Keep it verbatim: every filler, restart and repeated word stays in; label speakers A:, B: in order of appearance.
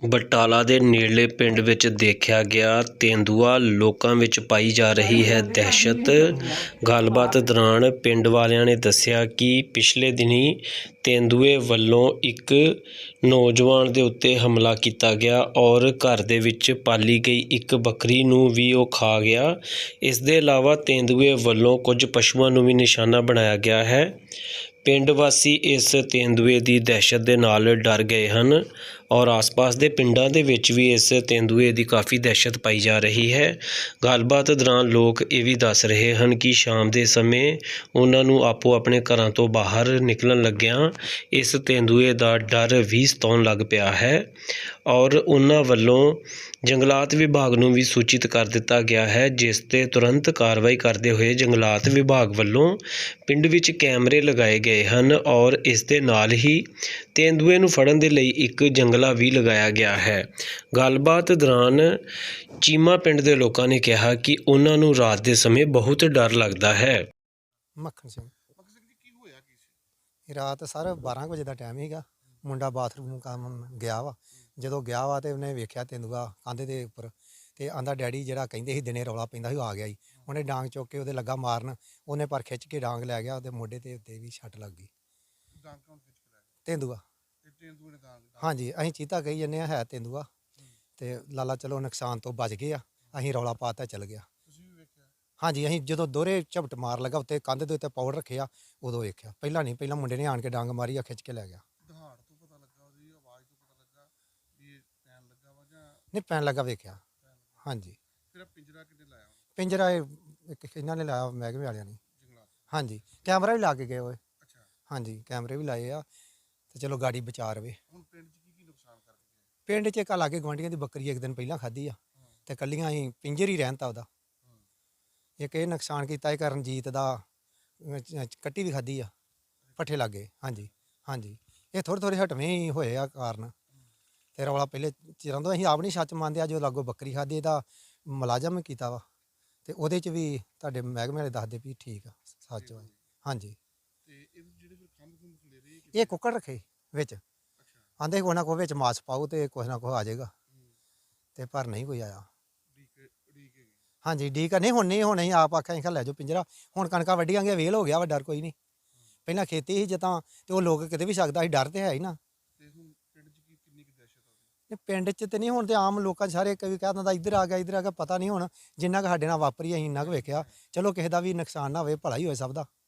A: ਬਟਾਲਾ ਦੇ ਨੇੜਲੇ ਪਿੰਡ ਵਿੱਚ ਦੇਖਿਆ ਗਿਆ ਤੇਂਦੂਆ ਲੋਕਾਂ ਵਿੱਚ ਪਾਈ ਜਾ ਰਹੀ ਹੈ ਦਹਿਸ਼ਤ। ਗੱਲਬਾਤ ਦੌਰਾਨ ਪਿੰਡ ਵਾਲਿਆਂ ਨੇ ਦੱਸਿਆ ਕਿ ਪਿਛਲੇ ਦਿਨੀਂ ਤੇਂਦੂਏ ਵੱਲੋਂ ਇੱਕ ਨੌਜਵਾਨ ਦੇ ਉੱਤੇ ਹਮਲਾ ਕੀਤਾ ਗਿਆ ਔਰ ਘਰ ਦੇ ਵਿੱਚ ਪਾਲੀ ਗਈ ਇੱਕ ਬੱਕਰੀ ਨੂੰ ਵੀ ਉਹ ਖਾ ਗਿਆ। ਇਸ ਦੇ ਇਲਾਵਾ ਤੇਂਦੂਏ ਵੱਲੋਂ ਕੁਝ ਪਸ਼ੂਆਂ ਨੂੰ ਵੀ ਨਿਸ਼ਾਨਾ ਬਣਾਇਆ ਗਿਆ ਹੈ। ਪਿੰਡ ਵਾਸੀ ਇਸ ਤੇਂਦੂਏ ਦੀ ਦਹਿਸ਼ਤ ਦੇ ਨਾਲ ਡਰ ਗਏ ਹਨ ਔਰ ਆਸ-ਪਾਸ ਦੇ ਪਿੰਡਾਂ ਦੇ ਵਿੱਚ ਵੀ ਇਸ ਤੇਂਦੂਏ ਦੀ ਕਾਫੀ ਦਹਿਸ਼ਤ ਪਾਈ ਜਾ ਰਹੀ ਹੈ। ਗੱਲਬਾਤ ਦੌਰਾਨ ਲੋਕ ਇਹ ਵੀ ਦੱਸ ਰਹੇ ਹਨ ਕਿ ਸ਼ਾਮ ਦੇ ਸਮੇਂ ਉਹਨਾਂ ਨੂੰ ਆਪੋ ਆਪਣੇ ਘਰਾਂ ਤੋਂ ਬਾਹਰ ਨਿਕਲਣ ਲੱਗਿਆਂ ਇਸ ਤੇਂਦੂਏ ਦਾ ਡਰ ਵੀ ਸਤਾਉਣ ਲੱਗ ਪਿਆ ਹੈ ਔਰ ਉਹਨਾਂ ਵੱਲੋਂ ਜੰਗਲਾਤ ਵਿਭਾਗ ਨੂੰ ਵੀ ਸੂਚਿਤ ਕਰ ਦਿੱਤਾ ਗਿਆ ਹੈ, ਜਿਸ 'ਤੇ ਤੁਰੰਤ ਕਾਰਵਾਈ ਕਰਦੇ ਹੋਏ ਜੰਗਲਾਤ ਵਿਭਾਗ ਵੱਲੋਂ ਪਿੰਡ ਵਿੱਚ ਕੈਮਰੇ ਲਗਾਏ ਗਏ ਹਨ ਔਰ ਇਸ ਦੇ ਨਾਲ ਹੀ ਤੇਂਦੂਏ ਨੂੰ ਫੜਨ ਦੇ ਲਈ ਇੱਕ ਜੰਗਲਾ ਵੀ ਲਗਾਇਆ ਗਿਆ ਹੈ। ਗੱਲਬਾਤ ਦੌਰਾਨ ਚੀਮਾ ਪਿੰਡ ਦੇ ਲੋਕਾਂ ਨੇ ਕਿਹਾ ਕਿ ਉਹਨਾਂ ਨੂੰ ਰਾਤ ਦੇ ਸਮੇਂ ਬਹੁਤ ਡਰ ਲੱਗਦਾ ਹੈ।
B: ਮੱਖਣ ਸਿੰਘ ਕੀ ਹੋਇਆ ਕੀ ਸੀ ਰਾਤ ਸਰ ਬਾਰਾਂ ਵਜੇ ਦਾ ਟਾਈਮ ਸੀਗਾ। ਮੁੰਡਾ ਬਾਥਰੂਮ ਕੰਮ ਗਿਆ ਵਾ, ਜਦੋਂ ਗਿਆ ਵਾ ਤੇ ਉਹਨੇ ਵੇਖਿਆ ਤੇਂਦੂਆ ਕੰਧ ਦੇ ਉੱਪਰ ਤੇ ਆਂਦਾ ਡੈਡੀ ਜਿਹੜਾ ਕਹਿੰਦੇ ਸੀ ਦਿਨੇ ਰੌਲਾ ਪੈਂਦਾ ਸੀ ਉਹ ਆ ਗਿਆ ਜੀ। ਉਹਨੇ ਡਾਂਗ ਚੁੱਕ ਕੇ ਉਹਦੇ ਲੱਗਾ ਮਾਰਨ, ਉਹਨੇ ਪਰ ਖਿੱਚ ਕੇ ਡਾਂਗ ਲੈ ਗਿਆ, ਉਹਦੇ ਮੋਢੇ ਤੇ ਉੱਤੇ ਵੀ ਛੱਟ ਲੱਗ ਗਈ। ਤੇਂਦੂਆ ਹਾਂਜੀ, ਅਸੀਂ ਚੀਤਾ ਕਹੀ ਜੰਨੇ ਆ, ਹੈ ਤੇਂਦੂਆ ਤੇ ਲਾਲਾ ਚਲੋ ਨੁਕਸਾਨ ਤੋਂ ਬਚ ਗਏ ਆ। ਅਸੀਂ ਰੌਲਾ ਪਾਤਾ ਚੱਲ ਗਿਆ। ਹਾਂਜੀ, ਅਸੀਂ ਜਦੋਂ ਦੋਹਰੇ ਝਪਟ ਮਾਰ ਲੱਗਾ ਉੱਤੇ ਕੰਧ ਦੇ ਉੱਤੇ ਪਾਊਡਰ ਰੱਖਿਆ ਉਦੋਂ ਵੇਖਿਆ। ਪਹਿਲਾਂ ਨਹੀਂ, ਪਹਿਲਾਂ ਮੁੰਡੇ ਨੇ ਆਣ ਕੇ ਡਾਂਗ ਮਾਰੀ ਆ, ਖਿੱਚ ਕੇ ਲੈ ਗਿਆ। ਨਹੀਂ ਪੈਣ ਲੱਗਾ ਵੇਖਿਆ। ਹਾਂਜੀ, ਪਿੰਜਰਾ ਇੱਕ ਇਹਨਾਂ ਨੇ ਲਾਇਆ ਮਹਿਕਮੇ ਵਾਲਿਆਂ ਨੇ। ਹਾਂਜੀ, ਕੈਮਰਾ ਵੀ ਲਾ ਕੇ ਗਏ ਹੋਏ। ਹਾਂਜੀ, ਕੈਮਰੇ ਵੀ ਲਾਏ ਆ ਤੇ ਚਲੋ ਗਾੜੀ ਬਚਾ ਰਵੇ। ਪਿੰਡ 'ਚ ਇੱਕ ਲਾਗੇ ਗੁਆਂਢੀਆਂ ਦੀ ਬੱਕਰੀ ਇੱਕ ਦਿਨ ਪਹਿਲਾਂ ਖਾਧੀ ਆ ਤੇ ਕੱਲੀਆਂ ਅਸੀਂ ਪਿੰਜਰ ਹੀ ਰਹਿਣ ਤਾ ਉਹਦਾ। ਇੱਕ ਇਹ ਨੁਕਸਾਨ ਕੀਤਾ ਇਹ ਰਣਜੀਤ ਦਾ ਕੱਟੀ ਵੀ ਖਾਧੀ ਆ ਪੱਠੇ ਲਾਗੇ। ਹਾਂਜੀ ਹਾਂਜੀ, ਇਹ ਥੋੜ੍ਹੇ ਥੋੜ੍ਹੇ ਹਟਵੇਂ ਹੀ ਹੋਏ ਆ ਕਾਰਨ ਤੇ ਰੌਲਾ ਪਹਿਲੇ ਚਿਰਾਂ ਤੋਂ ਅਸੀਂ ਆਪ ਨਹੀਂ ਸੱਚ ਮੰਨਦੇ ਆ। ਜੋ ਲਾਗੋ ਬੱਕਰੀ ਖਾਧੀ ਇਹਦਾ ਮੁਲਾਜ਼ਮ ਕੀਤਾ ਵਾ ਤੇ ਉਹਦੇ 'ਚ ਵੀ ਤੁਹਾਡੇ ਮਹਿਕਮੇ ਵਾਲੇ ਦੱਸਦੇ ਵੀ ਠੀਕ ਆ ਸੱਚ ਵਾ। ਹਾਂਜੀ, ਇਹ ਕੁੱਕੜ ਰੱਖੇ ਵਿੱਚ, ਆਂਦੇ ਕੋਈ ਨਾ ਕੋਈ ਵਿੱਚ ਮਾਸ ਪਾਓ ਤੇ ਕੁਛ ਨਾ ਕੁਛ ਆ ਜਾਏਗਾ ਤੇ ਪਰ ਨਹੀਂ ਕੋਈ ਆਇਆ। ਹਾਂਜੀ, ਡੀਕ ਨਹੀਂ ਹੁਣ ਨਹੀਂ, ਹੁਣ ਅਸੀਂ ਆਪ ਆਖਿਆ ਅਸੀਂ ਲੈ ਜਾਓ ਪਿੰਜਰਾ। ਹੁਣ ਕਣਕਾਂ ਵੱਢੀਆਂ ਗਈਆਂ, ਵੇਲ ਹੋ ਗਿਆ ਵਾ, ਡਰ ਕੋਈ ਨਹੀਂ। ਪਹਿਲਾਂ ਖੇਤੀ ਸੀ ਜਿੱਦਾਂ ਤੇ ਉਹ ਲੋਕ ਕਿਤੇ ਵੀ ਸਕਦਾ ਸੀ, ਡਰ ਤੇ ਹੈ ਹੀ ਨਾ। ਪਿੰਡ 'ਚ ਤੇ ਨਹੀਂ, ਹੁਣ ਤੇ ਆਮ ਲੋਕਾਂ ਸਾਰੇ ਕਈ ਕਹਿ ਦਿੰਦਾ ਇੱਧਰ ਆ ਗਿਆ ਇੱਧਰ ਆ ਗਿਆ, ਪਤਾ ਨਹੀਂ ਹੁਣ ਜਿੰਨਾ ਕੁ ਸਾਡੇ ਨਾਲ ਵਾਪਰੀ ਅਸੀਂ ਇੰਨਾ ਕੁ ਵੇਖਿਆ। ਚਲੋ ਕਿਸੇ ਦਾ ਵੀ ਨੁਕਸਾਨ ਨਾ ਹੋਵੇ, ਭਲਾ ਹੀ ਹੋਏ ਸਭ ਦਾ।